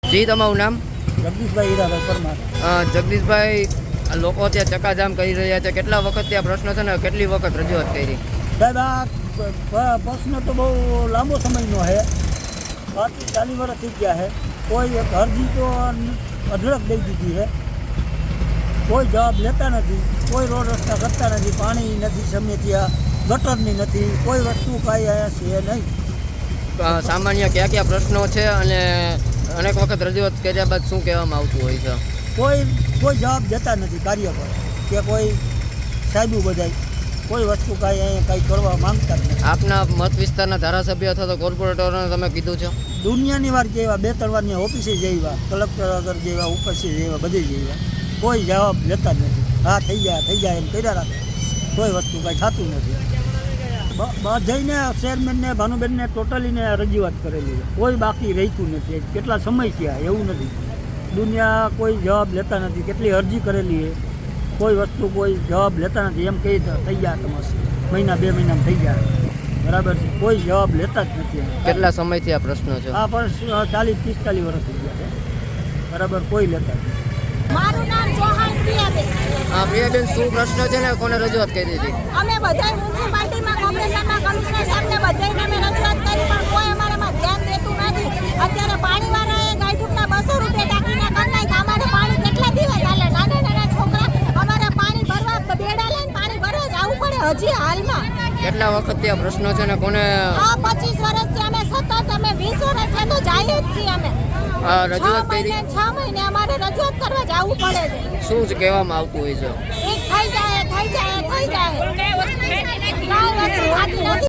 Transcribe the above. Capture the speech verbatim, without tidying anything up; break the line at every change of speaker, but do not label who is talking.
જી, તમારું નામ?
જગદીશભાઈ હીરાભાઈ પરમાર.
અ, જગદીશભાઈ, આ લોકો ત્યાં ચક્કાજામ કરી રહ્યા છે, કેટલા વખત ત્યાં પ્રશ્ન છે ને કેટલી વખત રજૂઆત કરી?
સાહેબ આ પ- પ્રશ્ન તો બહુ લાંબો સમયનો છે, પાંત્રીસ ચાલીસ વર્ષ થઈ ગયા છે. કોઈ એક અરજી તો અઢળક દઈ દીધી છે, કોઈ જવાબ લેતા નથી, કોઈ રોડ રસ્તા કરતા નથી, પાણી નથી, સમય ત્યાં ગટરની નથી, કોઈ વસ્તુ કાંઈ અહીંયા છે નહીં.
અ, સામાન્ય કયા કયા પ્રશ્નો છે અને અનેક વખત રજૂઆત કર્યા બાદ શું કહેવામાં આવતું હોય છે?
કોઈ કોઈ જવાબ દેતા નથી કાર્ય પર કે કોઈ સાહેબુ બધાય કોઈ વસ્તુ કાંઈ અહીંયા કાંઈ કરવા માંગતા જ નથી.
આપના મત વિસ્તારના ધારાસભ્ય અથવા તો કોર્પોરેટરોને તમે કીધું છે?
દુનિયાની વાર જેવા બે ત્રણ વારની ઓફિસે જેવા કલેક્ટર આગળ જેવા ઉપસ્થિત જેવા બધે જેવા કોઈ જવાબ લેતા જ નથી. હા થઈ જાય થઈ જાય એમ કર્યા રાખે, કોઈ વસ્તુ કાંઈ થતું નથી. બ- બધાઈને ચેરમેનને ભાનુબેનને ટોટલીને રજૂઆત કરેલી છે, કોઈ બાકી રહેતું નથી. કેટલા સમય થયા એવું નથી, દુનિયા કોઈ જવાબ લેતા નથી. કેટલી અરજી કરેલી છે, કોઈ વસ્તુ કોઈ જવાબ લેતા નથી. એમ કહી દે, થઈ ગયા તમારે મહિના બે મહિનામાં થઈ ગયા, બરાબર છે, કોઈ જવાબ લેતા જ નથી.
કેટલા સમયથી આ પ્રશ્ન છે?
આ પણ ચાલીસ પિસ્તાલીસ વર્ષ થઈ ગયા છે, બરાબર, કોઈ લેતા જ નથી.
મારું નામ ચૌહાણ પ્રિયાબેન.
હા, પ્રિયાબેન, શું પ્રશ્ન છે ને કોને રજૂઆત કરી હતી?
અમે બધાય મ્યુનિસિપાલિટીમાં કોર્પોરેશનમાં કમિશનર સાહેબને બધાયને અમે રજૂઆત કરી પણ કોઈ અમારામાં ધ્યાન દેતું નથી. અત્યારે પાણીવાળાએ ગાયઠુકના બસો રૂપિયા ટાંકીના કરી નાખ્યા. અમારે પાણી કેટલા દિવસ હાલે? નાના નાના છોકરા અમારે પાણી ભરવા બેડા લઈને પાણી ભરવા જવું પડે હજી હાલમાં.
કેટલા વખત ત્યાં પ્રશ્નો છે ને કોને
આ પચીસ વર્ષથી અમે સતત અમે વીસ વર્ષથી તો જઈએ જ છીએ. અમે
આ
છ
રજૂઆત કરી?
મહિને છ મહિને અમારે રજૂઆત કરવા જવું પડે છે.
શું જ કહેવામાં આવતું હોય છે?
એક થઈ જાય થઈ જાય થઈ જાય કાંઈ વસ્તુ થતી નથી.